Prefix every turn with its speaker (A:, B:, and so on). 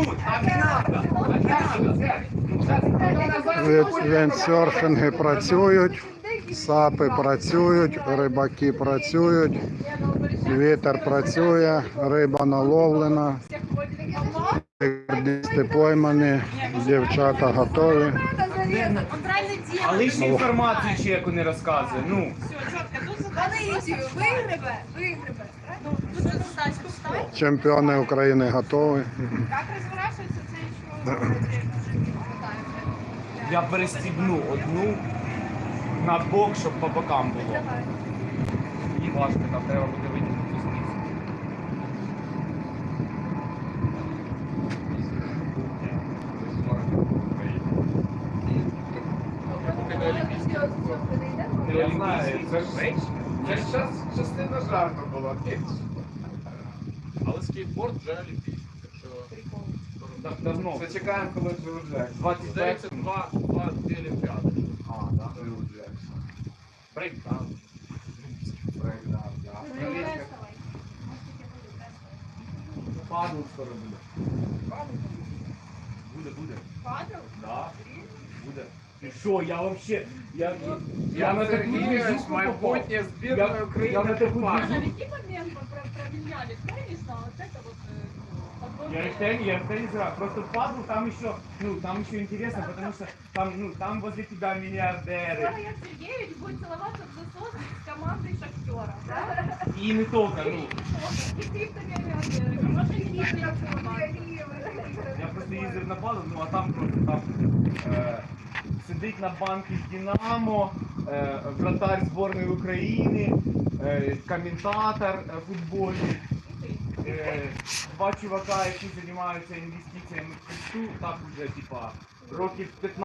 A: Віндсерфінги працюють, сапи працюють, рибаки працюють, вітер працює, риба наловлена, рекордисти поймані, дівчата готові.
B: А лишню інформацію чеку не розказує. Ну.
C: Вигребе.
A: Чемпіони України готові.
C: Як розворачується це, що
B: Я перестібну одну на бок, щоб по бокам було. Їй важко, там треба буде витягнути знизу. Я знаю, це ж частина жарту була.
D: Але скейтборд вже олімпійський, так що
B: Давно.
D: зачекаємо, коли вже
B: 25.
D: здається, два олімпіади.
B: А, так.
D: Брейкданс.
B: Брейкданс, так. Падал скоро буде. Буде.
C: Падав?
B: Да. Буде. Ти що, я вообще... Я на таку
D: Сергійович,
B: движуху
D: майбутнє
B: попав.
D: збірної України.
B: Я на таку
C: А
B: движуху.
C: в який момент променяли теннис на вот это вот
B: Я в теннис играю. Просто падал, там еще интересно, потому что там возле тебя миллиардеры.
C: Сергей Сергеевич будет целоваться в засос с командой Шахтера, да?
B: И не только,
C: И криптомиллионеры. Может, не видно,
B: Я просто їздив на падал, а там просто сидить на банки з Динамо, вратарь збірної України, коментатор футбольний. Два чувака, які займаються інвестиціями в крипту, так уже, типа, років 15.